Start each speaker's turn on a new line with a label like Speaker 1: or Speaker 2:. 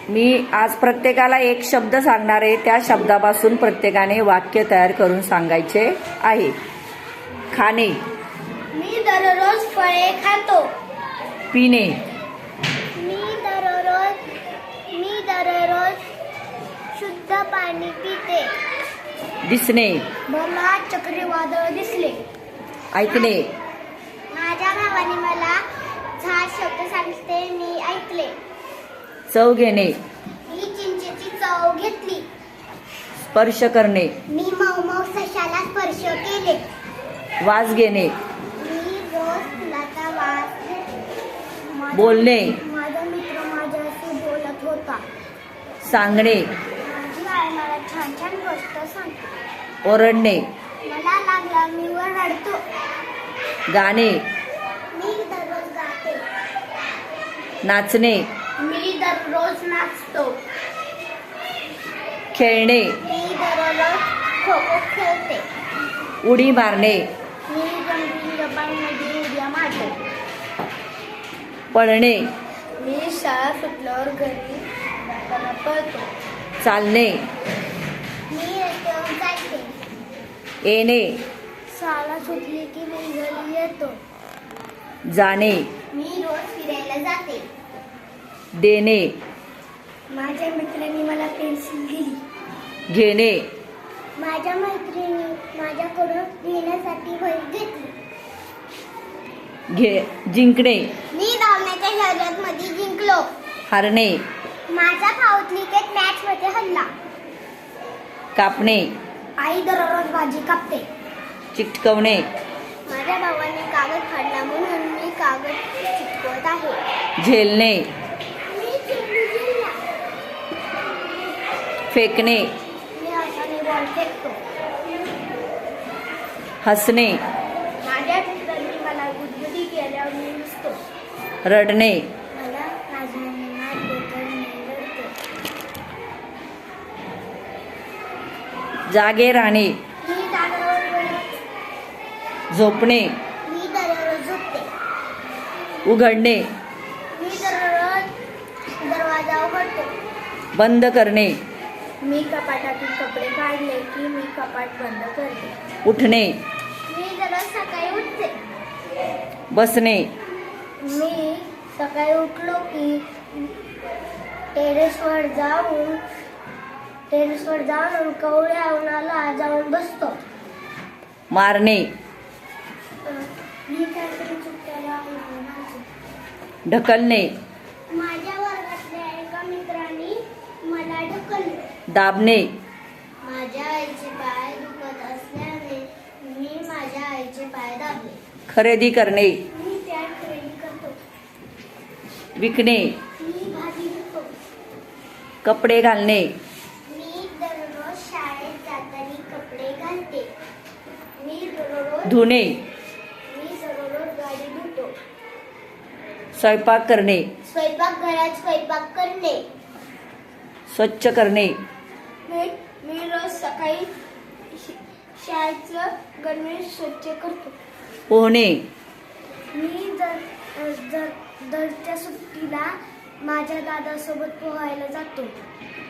Speaker 1: मी आज प्रत्येकाला एक शब्द सांगणार आहे. त्या शब्दापासून प्रत्येकाने वाक्य तयार करून सांगायचे आहे. खाणे.
Speaker 2: मी दररोज फळे खातो.
Speaker 1: पिणे.
Speaker 2: मी दररोज शुद्ध पाणी पिते.
Speaker 1: दिसणे.
Speaker 2: मला चक्रीवादळ दिसले.
Speaker 1: ऐकणे.
Speaker 2: माझ्या भावाने मला 6 शब्द सांगितले, मी ऐकले.
Speaker 1: चव घेणे.
Speaker 2: मी चिंचेची चव घेतली.
Speaker 1: स्पर्श करणे.
Speaker 2: मी मऊ सशाला स्पर्श केले.
Speaker 1: वास घेणे.
Speaker 2: मी रोज फुलाचा वास घेते.
Speaker 1: बोलणे.
Speaker 2: माझा मित्र माझ्याशी बोलत होता.
Speaker 1: सांगणे.
Speaker 2: माझी आई मला छान छान गोष्ट सांगते.
Speaker 1: ओरडणे.
Speaker 2: मला लागला मी रडतो.
Speaker 1: गाणे.
Speaker 2: मी दररोज गाते.
Speaker 1: नाचणे.
Speaker 2: मी दररोज नाचतो.
Speaker 1: खेळणे.
Speaker 2: मी दररोज खो खो खेळते.
Speaker 1: उडी मारणे.
Speaker 2: मी रंगीन उड्या मारतो.
Speaker 1: पळणे.
Speaker 2: मी शाळा सुटल्यावर घरी जाताना पळतो.
Speaker 1: चालणे.
Speaker 2: मी रस्त्यावर जाते.
Speaker 1: येणे.
Speaker 2: शाळा सुटली की मी घरी येतो.
Speaker 1: जाणे.
Speaker 2: मी रोज फिरायला जाते.
Speaker 1: देणे.
Speaker 2: माझ्या मित्रांनी मला पेन्सिल दिली.
Speaker 1: घेणे.
Speaker 2: माझ्या मैत्रिणी माझ्याकडून लिहिण्यासाठी वही घेतली.
Speaker 1: जिंकणे.
Speaker 2: मी धावण्याच्या शर्यतीमध्ये जिंकलो.
Speaker 1: हरणे.
Speaker 2: माझा भाऊ क्रिकेट मॅच मध्ये हरला.
Speaker 1: कापणे.
Speaker 2: आई दररोज भाजी कापते.
Speaker 1: चिटकवणे.
Speaker 2: माझ्या भावाने कागद फाडला म्हणून मी कागद चिटकवत आहे.
Speaker 1: झेलणे.
Speaker 2: मी चेंडू झेलला.
Speaker 1: फेकणे.
Speaker 2: मी हाताने बॉल फेकतो.
Speaker 1: हसणे.
Speaker 2: माझ्या मित्रांनी मला गुदगुदी केल्यावर मी हसतो.
Speaker 1: रडणे.
Speaker 2: मला राजाने मारले तर मी रडतो.
Speaker 1: जागे राहणे.
Speaker 2: मी जागेवर
Speaker 1: झोपणे.
Speaker 2: मी दररोज झोपते.
Speaker 1: उघडणे.
Speaker 2: मी दररोज दरवाजा उघडतो.
Speaker 1: बंद करणे.
Speaker 2: मी कपाटातून कपडे काढले की मी कपाट बंद करते.
Speaker 1: उठणे.
Speaker 2: मी दररोज सकाळी उठते.
Speaker 1: बसणे.
Speaker 2: मी सकाळी उठलो की टेरेसवर जाऊन कवळ्या उन्हाला जाऊन बसतो.
Speaker 1: मारणे.
Speaker 2: मी काहीतरी चुकल्याला उन्हाळ्यात
Speaker 1: ढकलणे.
Speaker 2: माझ्या वर्गातल्या एका मित्राने मला ढकलले.
Speaker 1: दाबणे.
Speaker 2: माझ्या आईचे पाय दुखत असल्याने मी माझ्या आईचे पाय दाबले.
Speaker 1: खरेदी करणे.
Speaker 2: मी त्या खरेदी करतो.
Speaker 1: विकणे.
Speaker 2: मी भाजी विकतो.
Speaker 1: कपडे घालणे.
Speaker 2: मी दररोज शाळेत जाताना कपडे घालते. मी दररोज
Speaker 1: धुणे.
Speaker 2: गाडी धुतो.
Speaker 1: स्वयंपाक करणे.
Speaker 2: स्वयंपाकघरात स्वयंपाक करणे.
Speaker 1: स्वच्छ करणे.
Speaker 2: मी रोज सकाळी शाळेचं गणवेश स्वच्छ करतो.
Speaker 1: पोहणे.
Speaker 2: मी दरच्या सुट्टीला माझ्या दादासोबत पोहायला जातो.